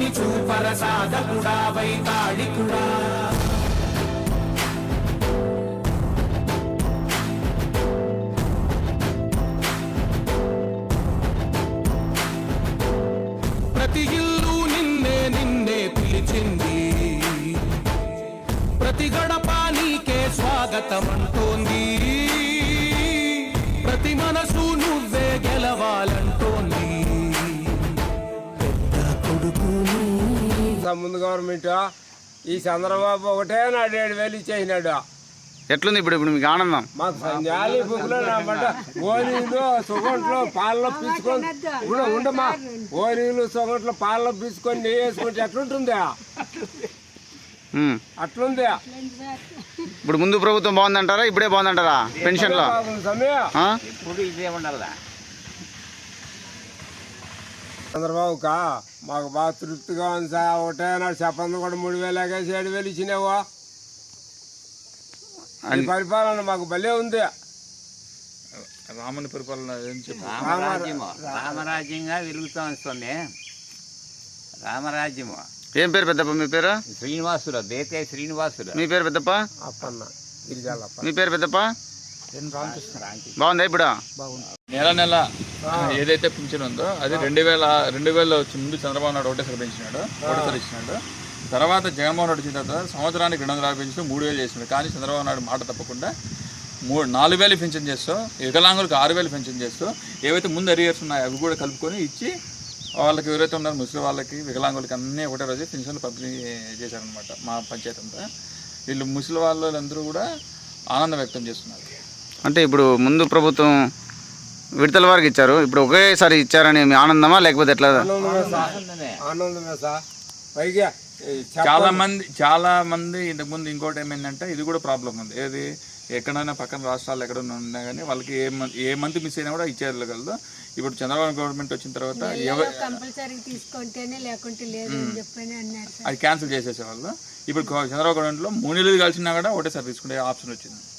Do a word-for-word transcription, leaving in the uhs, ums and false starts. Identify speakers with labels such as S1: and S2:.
S1: చూపని చూపర సాధకుడా వైతాళికుడా ప్రతి ఇల్లు నిన్నే నిన్నే పిలిచింది ప్రతి గడప నీకే స్వాగతం అంటోంది ప్రతి మనసు నువ్వే గెలవాలంటోంది పెద్ద కొడుకు
S2: ముందు గవర్నమెంట్ ఈ చంద్రబాబు ఒకటే నాడు ఏడు వేలు ఇచ్చేసినాడు.
S3: ఎట్లుంది ఇప్పుడు ఇప్పుడు మీకు ఆనందం?
S2: మాకు జాలి బుక్లో నామంట ఓనీలు సొగంట్లో పాలలో పీచుకొని ఇప్పుడు ఉండమా ఓనీలు సొగంట్లో పాలలో పీచుకొని నెయ్యి వేసుకుంటే ఎట్లుంటుందా అట్లుంది.
S3: ఇప్పుడు ముందు ప్రభుత్వం బాగుందంటారా ఇప్పుడే బాగుందంటారా? పెన్షన్ లో
S2: చంద్రబాబుకా మాకు బాగా తృప్తిగా ఉంది సార్. ఒకటే నాడు చెప్పంది కూడా మూడు వేలు ఎగేసి ఏడు వేలు ఇచ్చినావా. పరిపాలన మాకు భలే ఉంది.
S4: రాముని పరిపాలన
S5: రామరాజ్యంగా వెలుగుతా వస్తుంది. రామరాజ్యము.
S3: ఏం పేరు పెద్దప్ప మీ పేరు?
S5: శ్రీనివాసులు, దేతే శ్రీనివాసులు.
S3: మీ పేరు పెద్దప్ప?
S2: అప్పన్న గిరిజాలప్ప.
S3: మీ పేరు పెద్దప్ప? బాగుందా ఇప్పుడు?
S4: నెల నెల ఏదైతే పింఛన్ ఉందో అది రెండు వేల రెండు వేలలో వచ్చి ముందు చంద్రబాబు నాయుడు ఒకటేసారి పెంచినాడు, ఒకటేసారి ఇచ్చినాడు. తర్వాత జగన్మోహన్ రెడ్డి వచ్చిన తర్వాత సంవత్సరానికి రెండు వందల యాభై పెంచుతూ మూడు వేలు చేసినాడు. కానీ చంద్రబాబు నాయుడు మాట తప్పకుండా మూడు నాలుగు వేలు పెన్షన్ చేస్తూ వికలాంగులకు ఆరు వేలు పెన్షన్ చేస్తూ ఏవైతే ముందు అరియర్స్ ఉన్నాయో అవి కూడా కలుపుకొని ఇచ్చి వాళ్ళకి ఎవరైతే ఉన్నారో ముస్లిం వాళ్ళకి వికలాంగులకి అన్నీ ఒకటే రోజు పెన్షన్లు పంపిణీ చేశారనమాట మా పంచాయతీ అంతా. వీళ్ళు ముస్లిం వాళ్ళందరూ కూడా ఆనందం వ్యక్తం చేస్తున్నారు.
S3: అంటే ఇప్పుడు ముందు ప్రభుత్వం విడతల వారికి ఇచ్చారు, ఇప్పుడు ఒకేసారి ఇచ్చారని మీ ఆనందమా లేకపోతే ఎట్లా?
S2: ఆనందమే సార్. పైగా
S4: చాలా మంది చాలా మంది ఇంతకుముందు ఇంకోటి ఏమైందంటే ఇది కూడా ప్రాబ్లం ఉంది. ఏది ఎక్కడైనా పక్కన రాష్ట్రాలు ఎక్కడైనా ఉన్నా కానీ వాళ్ళకి ఏ మంత్ ఏ మంత్ మిస్ అయినా కూడా ఇచ్చేయగలదు. ఇప్పుడు చంద్రబాబు గవర్నమెంట్ వచ్చిన తర్వాత అది క్యాన్సిల్ చేసేసేవాళ్ళు. ఇప్పుడు చంద్రబాబు గవర్నమెంట్లో మూడు నెలలు కలిసినా కూడా ఒకటేసారి తీసుకునే ఆప్షన్ వచ్చింది.